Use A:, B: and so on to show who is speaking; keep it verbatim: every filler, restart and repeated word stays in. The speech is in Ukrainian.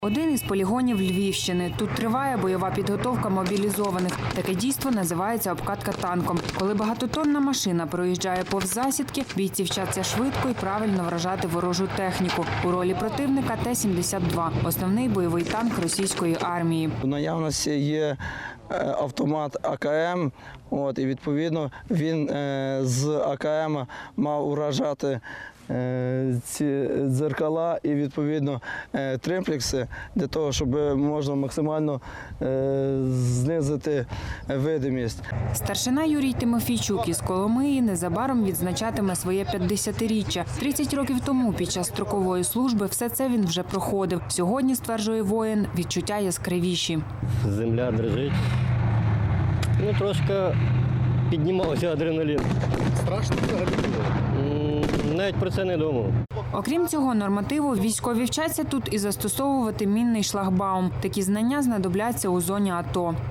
A: Один із полігонів Львівщини. Тут триває бойова підготовка мобілізованих. Таке дійство називається обкатка танком. Коли багатотонна машина проїжджає повз засідки, бійці вчаться швидко і правильно вражати ворожу техніку. У ролі противника Т сімдесят два – основний бойовий танк російської армії.
B: У наявності є автомат А К М, от, і відповідно він е, з А К М мав уражати е, ці дзеркала і відповідно е, тримплекси для того, щоб можна максимально е, знизити видимість.
A: Старшина Юрій Тимофійчук із Коломиї незабаром відзначатиме своє п'ятдесятиріччя. тридцять років тому під час строкової служби все це він вже проходив. Сьогодні, стверджує воїн, відчуття яскравіші.
C: Земля дрижить. Ну, трошки піднімався адреналін.
D: Страшно взагалі було?
C: Навіть про це не думав.
A: Окрім цього нормативу, військові вчаться тут і застосовувати мінний шлагбаум. Такі знання знадобляться у зоні АТО.